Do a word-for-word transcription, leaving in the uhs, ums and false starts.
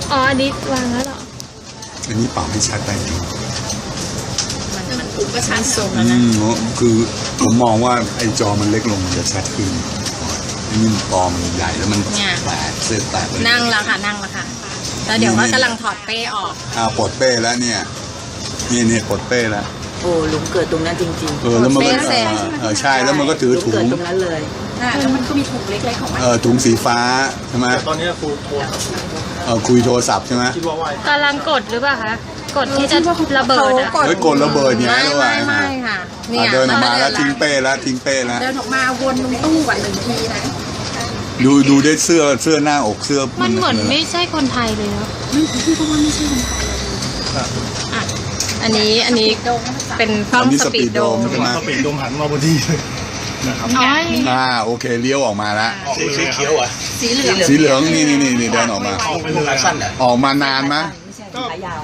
อ๋ออันนี้วางแล้วเหรออันนี้ปรับให้ชัดไปจริงมันมันถูกก็ชัดทรงอืแล้วนะมคือผมมองว่าไอ้จอมันเล็กลงมันจะชัดขึ้นอันนี้จอมันใหญ่แล้วมันแตกเส้นแตกเลยนั่งแล้วค่ะนั่งแล้วค่ะแล้วเดี๋ยวว่ากำลังถอดเป้ออกอ่าปลดเป้แล้วเนี่ยนี่เนี่ยปลดเป้แล้วโอ้หลุมเกิดตรงนั้นจริงๆเออแล้วมันก็เออใช่แล้วมันก็ถือถุงเกิดตรงนั้นเลยแล้วมันก็มีถุงเล็กๆของมันเออถุงสีฟ้าใช่ไหมตอนนี้ครูโทรเออคุยโทรศัพท์ใช่ไหมคิดว่าว่ากำลังกดหรือเปล่าคะกดที่จะระเบิดอะเฮ้ยกดระเบิดเนี่ยไม่ระหไม่ว่างไม่ค่ะอ่ะเดินออกมาแล้วทิ้งเป้แล้วทิ้งเป้แล้วเดินออกมาวนตรงตู้ก่อนหนึ่งทีนะดูดูได้เสื้อเสื้อหน้าอกเสื้อมันเหมือนไม่ใช่คนไทยเลยเนาะอ่ะอันนี้อันนี้เป็นกล้องสปีดโดมใช่ไหมเขาปิดดมหันมาพอดีเลยนะครับน้อยอ่าโอเคเลี้ยวออกมาแล้วออกสีเขียวอ่ะสีเหลืองสีเหลืองนี่นี่นี่นี่เดินออกมาออกไปเลยสั้นอ่ะออกมานานไหมไม่ใช่ขายาว